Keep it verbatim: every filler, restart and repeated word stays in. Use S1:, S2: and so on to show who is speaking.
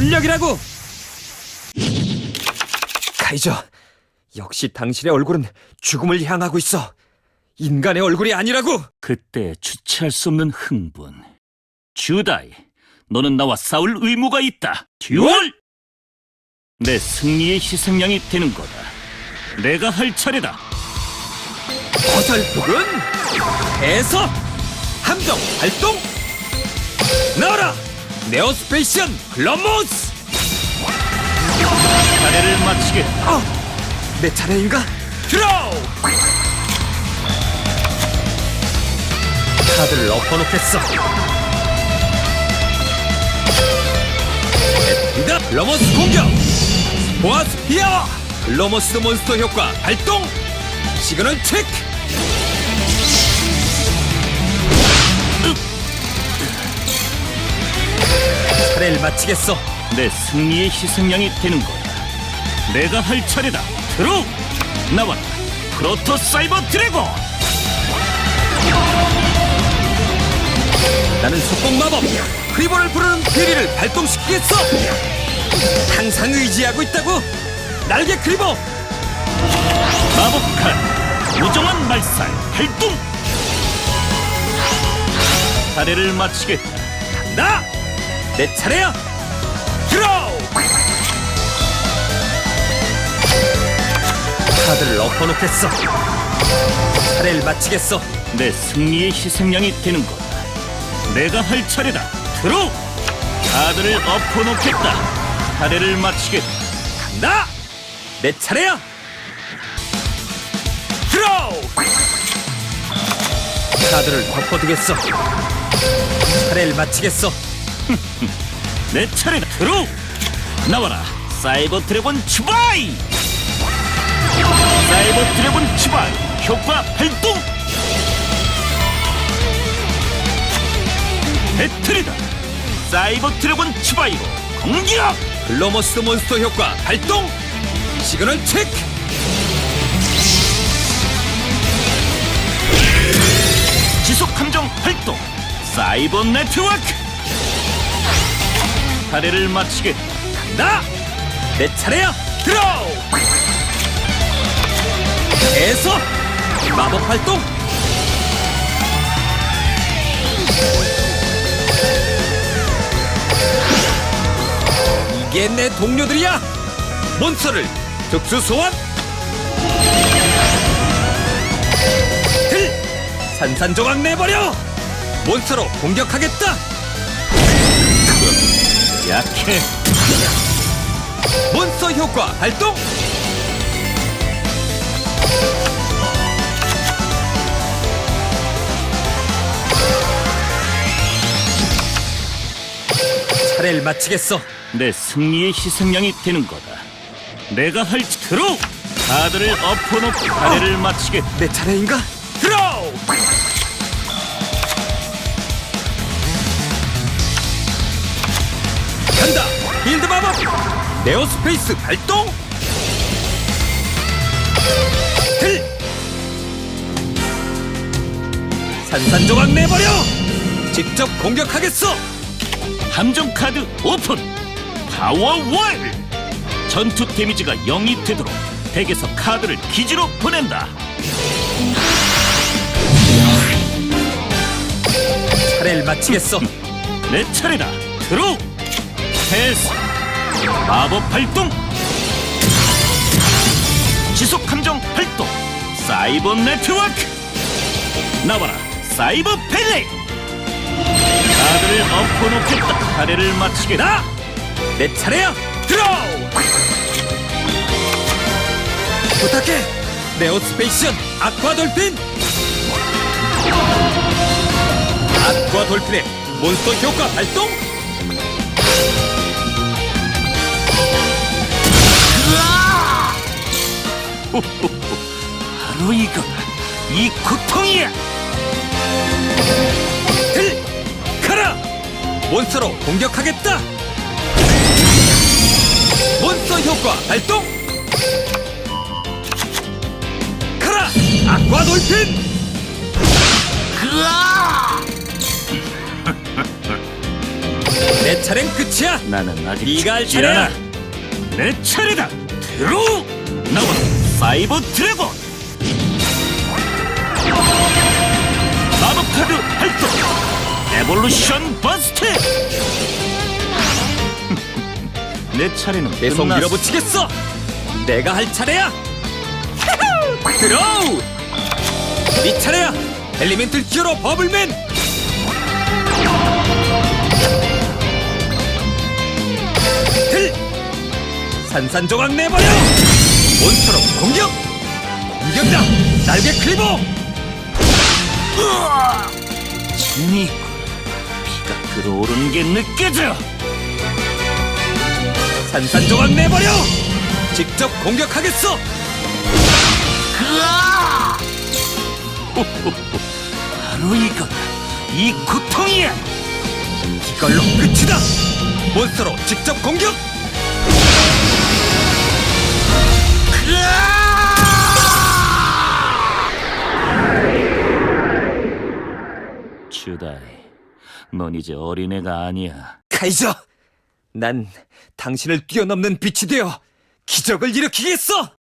S1: 실력이라고! 카이저, 역시 당신의 얼굴은 죽음을 향하고 있어. 인간의 얼굴이 아니라고!
S2: 그때 주체할 수 없는 흥분. 주다이, 너는 나와 싸울 의무가 있다. 듀얼! 내 승리의 희생양이 되는 거다. 내가 할 차례다.
S1: 어설프군! 해서 함정 발동! 나와라! 네오스페이션 글러모스!
S2: 차례를 마치겠다.
S1: 어! 내 차례인가? 드로우! 카드를 엎어놓겠어. 에트리다 글러모스 공격! 보아스피아! 글러모스 몬스터 효과 발동! 시그널 체크! 차례를 마치겠어.
S2: 내 승리의 희생양이 되는 거야. 내가 할 차례다. 드로우! 나와라. 프로토 사이버 드래곤!
S1: 나는 속공 마법 크리보를 부르는 비리를 발동시키겠어. 항상 의지하고 있다고. 날개 크리보
S2: 마법칼 무정한 말살 발동! 차례를 마치겠다.
S1: 나! 내 차례야. 드로우! 카드를 엎어놓겠어. 차례를 마치겠어.
S2: 내 승리의 희생양이 되는 거다. 내가 할 차례다. 드로우! 카드를 엎어놓겠다. 차례를 마치겠다.
S1: 나! 내 차례야. 드로우! 카드를 덮어두겠어. 차례를 마치겠어.
S2: 내 차례다. 드로우! 나와라. 사이버 드래곤 추바이! 사이버 드래곤 추바이 효과 발동! 배틀이다. 사이버 드래곤 추바이로 공격!
S1: 글로머스 몬스터 효과 발동! 시그널 체크!
S2: 지속 함정 발동! 사이버 네트워크! 차례를 마치겠다.
S1: 나! 내 차례야! 드로우! 해서 마법 활동! 이게 내 동료들이야! 몬스터를 특수 소환! 들! 산산조각 내버려! 몬스터로 공격하겠다!
S2: 약해.
S1: 몬스터 효과 발동! 차례를 마치겠어.
S2: 내 승리의 희생양이 되는 거다. 내가 할 드로우! 카드를 엎어놓고 차례를 마치겠다.
S1: 내 차례인가? 드로우! 간다! 빌드 마법! 네오스페이스 발동! 들! 산산조각 내버려! 직접 공격하겠어!
S2: 함정 카드 오픈! 파워 월! 전투 데미지가 영이 되도록 덱에서 카드를 기지로 보낸다.
S1: 차례를 마치겠어.
S2: 내 차례다. 드로우! 패스! 마법 발동! 지속 함정 발동! 사이버 네트워크! 나와라! 사이버 펠레! 카드를 엎어놓겠다. 차례를 마치겠다.
S1: 나! 내 차례야! 드로우! 부탁해! 네오스페이션 아쿠아 돌핀! 아쿠아 돌핀의 몬스터 효과 발동!
S2: 호호호, 바로 이거다. 이 고통이야.
S1: 들! 가라! 몬스터로 공격하겠다! 몬스터 효과 발동! 가라! 아쿠아 돌핀! 내 내 차례는 끝이야.
S2: 나는 아직
S1: 네가 할
S2: 죽지
S1: 차례야.
S2: 않아. 내 차례다. 들어. 나와 사이버 드래곤. 마법 카드 활동. 에볼루션 버스트. 내 차례는
S1: 계속
S2: 끝났어.
S1: 밀어붙이겠어. 내가 할 차례야. 드로우. 네 차례야. 엘리멘틀 히어로 버블맨. 들. 산산조각 내버려. 몬스터로 공격. 공격다. 날개 클리버.
S2: 진이군. 피가 끓어오르는 게 느껴져.
S1: 산산조각 내버려. 직접 공격하겠어.
S2: 바로 이거다. 이 고통이야.
S1: 이걸로 끝이다. 몬스터로 직접 공격.
S2: 주다이, 넌 이제 어린애가 아니야.
S1: 카이저, 난 당신을 뛰어넘는 빛이 되어 기적을 일으키겠어.